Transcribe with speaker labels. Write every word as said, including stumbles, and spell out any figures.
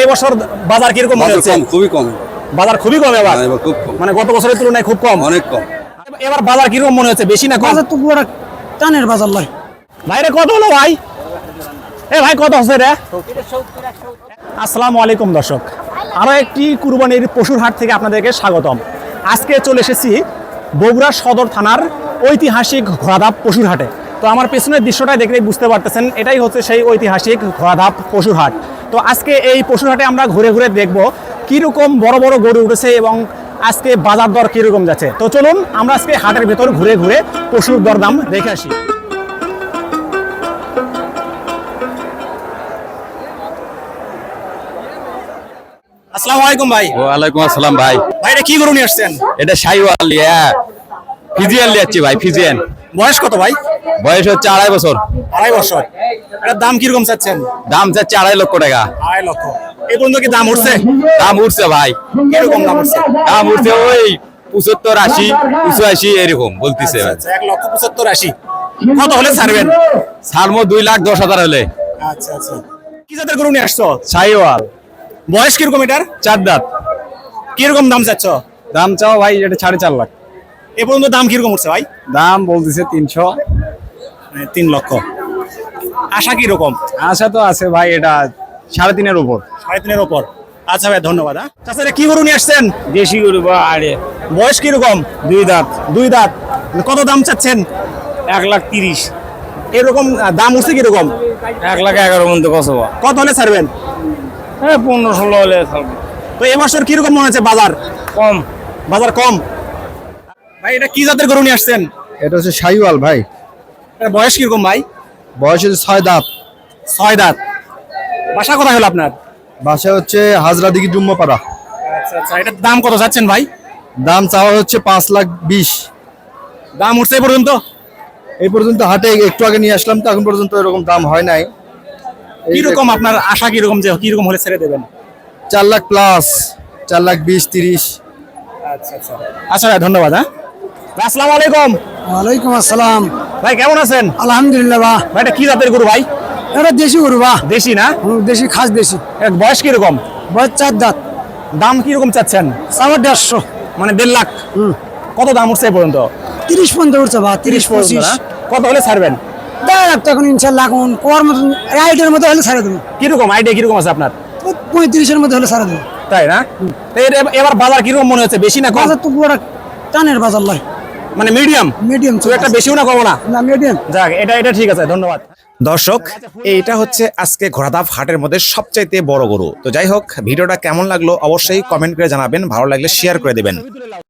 Speaker 1: এবছর বাজার কিরকম মনে হচ্ছে?
Speaker 2: খুবই কম।
Speaker 1: বাজার খুবই কম এবার,
Speaker 2: খুব কম,
Speaker 1: মানে গত বছরের তুলনায় খুব কম,
Speaker 2: অনেক কম।
Speaker 1: এবার বাজার কিরকম মনে হচ্ছে, বেশি না কম?
Speaker 3: বাজার তো পুরো টানের বাজার লয়।
Speaker 1: ভাইরে কত হলো ভাই? এ ভাই কত হচ্ছে রে? আসসালামু আলাইকুম দর্শক, আরো একটি কুরবানির পশুর হাট থেকে আপনাদেরকে স্বাগতম। আজকে চলে এসেছি বগুড়া সদর থানার ঐতিহাসিক ঘোড়াধাপ পশুর হাটে। তো আমার পেছনের দৃশ্যটাই দেখলেই বুঝতে পারতেছেন, এটাই হচ্ছে সেই ঐতিহাসিক ঘোড়াধাপ পশুর হাট। তো আজকে এই পশুর হাটে আমরা ঘুরে ঘুরে দেখব কীরকম বড় বড় গরু উঠেছে এবং আজকে বাজার দর কীরকম যাচ্ছে। তো চলুন আমরা আজকে হাটের ভেতর ঘুরে ঘুরে পশুর দরদাম দেখে আসি। আসসালামু আলাইকুম ভাই।
Speaker 4: ওয়ালাইকুম আসসালাম ভাই।
Speaker 1: ভাই এটা কি গরু নিয়ে আসছেন?
Speaker 4: এটা শাইওয়াল ফিজিয়ান লিয়াচ্ছি ভাই, ফিজিয়ান।
Speaker 1: বয়স কত ভাই?
Speaker 4: বয়স হচ্ছে আড়াই বছর।
Speaker 1: আড়াই বছর। এটার দাম কিরকম চাচ্ছেন?
Speaker 4: দাম চাচ্ছে আড়াই লক্ষ টাকা।
Speaker 1: আড়াই লক্ষ। এই পর্যন্ত কি দাম উঠছে?
Speaker 4: দাম উঠছে ভাই।
Speaker 1: কিরকম দাম উঠছে?
Speaker 4: দাম উঠছে ওই পঁচাত্তর আশি পঁচাশি এরকম বলতেছে।
Speaker 1: আচ্ছা, এক লক্ষ পঁচাত্তর আশি। কত হলে ছাড়বেন?
Speaker 4: ছাড়বো দুই লাখ দশ হাজার হলে।
Speaker 1: আচ্ছা আচ্ছা। কি জাতের গরু নিয়ে আসছো?
Speaker 4: শাইওয়াল।
Speaker 1: বয়স কিরকম এটার?
Speaker 4: চার দাঁত।
Speaker 1: কিরকম দাম চাচ্ছ?
Speaker 4: দাম চাও ভাই এটা সাড়ে চার লাখ।
Speaker 1: এ পর্যন্ত দাম কিরকম উঠছে ভাই?
Speaker 4: দাম বলতেছে তিনশো,
Speaker 1: মানে তিন লক্ষ। আশা কিরকম?
Speaker 4: আশা তো আছে ভাই, এটা সাড়ে তিনের উপর।
Speaker 1: সাড়ে তিনের উপর। আচ্ছা ভাই ধন্যবাদ। হ্যাঁ আচ্ছা, এটা কি গরু নিয়ে আসছেন?
Speaker 4: দেশি গরু বা আরে।
Speaker 1: বয়স কিরকম?
Speaker 4: দুই দাঁত।
Speaker 1: দুই দাঁত। কত দাম চাচ্ছেন?
Speaker 4: এক লাখ তিরিশ।
Speaker 1: এরকম দাম উঠছে কিরকম?
Speaker 4: এক লাখ এগারো মধ্যে কত?
Speaker 1: কত হলে ছাড়বেন?
Speaker 4: হ্যাঁ পনেরো ষোলো হলে ছাড়বো।
Speaker 1: তো এবছর কিরকম মনে হচ্ছে বাজার?
Speaker 4: কম।
Speaker 1: বাজার কম। ভাই এটা কি জাতের গরু নিয়ে আসছেন?
Speaker 2: এটা হচ্ছে শাইওয়াল ভাই।
Speaker 1: এটার বয়স কিরকম ভাই?
Speaker 2: বয়স হচ্ছে ছয় দাঁত।
Speaker 1: ছয় দাঁত। বাসা কোথায় হলো আপনার?
Speaker 2: বাসা হচ্ছে হাজরা দিঘি ডুম্বাপাড়া।
Speaker 1: আচ্ছা আচ্ছা। এটার দাম কত যাচ্ছেন ভাই?
Speaker 2: দাম চাওয়া হচ্ছে পাঁচ লাখ বিশ।
Speaker 1: দাম উঠছে এ পর্যন্ত?
Speaker 2: এই পর্যন্ত হাটে একটু আগে নিয়ে আসলাম, তো এখন পর্যন্ত এরকম দাম হয় নাই।
Speaker 1: কিরকম আপনার আশা কিরকম যে কিরকম হলে ছেড়ে দেবেন?
Speaker 2: চার লাখ প্লাস, চার লাখ বিশ তিরিশ।
Speaker 1: আচ্ছা আচ্ছা। আচ্ছা ভাই ধন্যবাদ। হ্যাঁ আসসালামু আলাইকুম।
Speaker 3: ওয়ালাইকুম আসসালাম।
Speaker 1: ভাই কেমন আছেন?
Speaker 3: আলহামদুলিল্লাহ বা।
Speaker 1: ভাই এটা কি জাতের গরু ভাই?
Speaker 3: এটা দেশি গরু বা।
Speaker 1: দেশি না?
Speaker 3: হুম, দেশি খাস দেশি।
Speaker 1: এর বয়স কিরকম?
Speaker 3: বয়স চার দাঁত।
Speaker 1: দাম কিরকম চাচ্ছেন?
Speaker 3: সাবার দেড়শো।
Speaker 1: মানে দেড় লাখ।
Speaker 3: হুম।
Speaker 1: কত দাম উঠছে এ পর্যন্ত?
Speaker 3: তিরিশ পর্যন্ত উঠছে বা, তিরিশ
Speaker 1: পর্যন্ত
Speaker 3: পঁচিশ।
Speaker 1: না? কত হলে ছাড়বেন?
Speaker 3: দেড় লাখ তো এখন ইনশাল্লাহ এখন কোয়ার মতন রাইটের মধ্যে হলে ছাড়ে দেবো।
Speaker 1: কিরকম আইডিয়া কিরকম আছে আপনার?
Speaker 3: পঁয়ত্রিশের মধ্যে হলে ছাড়ে দেবো।
Speaker 1: তাই না? তো এর এবার বাজার কিরকম মনে হচ্ছে, বেশি না কম?
Speaker 3: বাজার তো পুরো টানের বাজার লয়।
Speaker 1: মানে মিডিয়াম।
Speaker 3: মিডিয়াম
Speaker 1: তো একটা বেশিও না কমও না?
Speaker 3: না মিডিয়াম।
Speaker 1: যাক এটা এটা ঠিক আছে, ধন্যবাদ। দর্শক, এইটা হচ্ছে আজকে ঘোড়াধাপ হাটের মধ্যে সবচাইতে বড় গরু। তো যাই হোক, ভিডিওটা কেমন লাগলো অবশ্যই কমেন্ট করে জানাবেন, ভালো লাগলে শেয়ার করে দেবেন।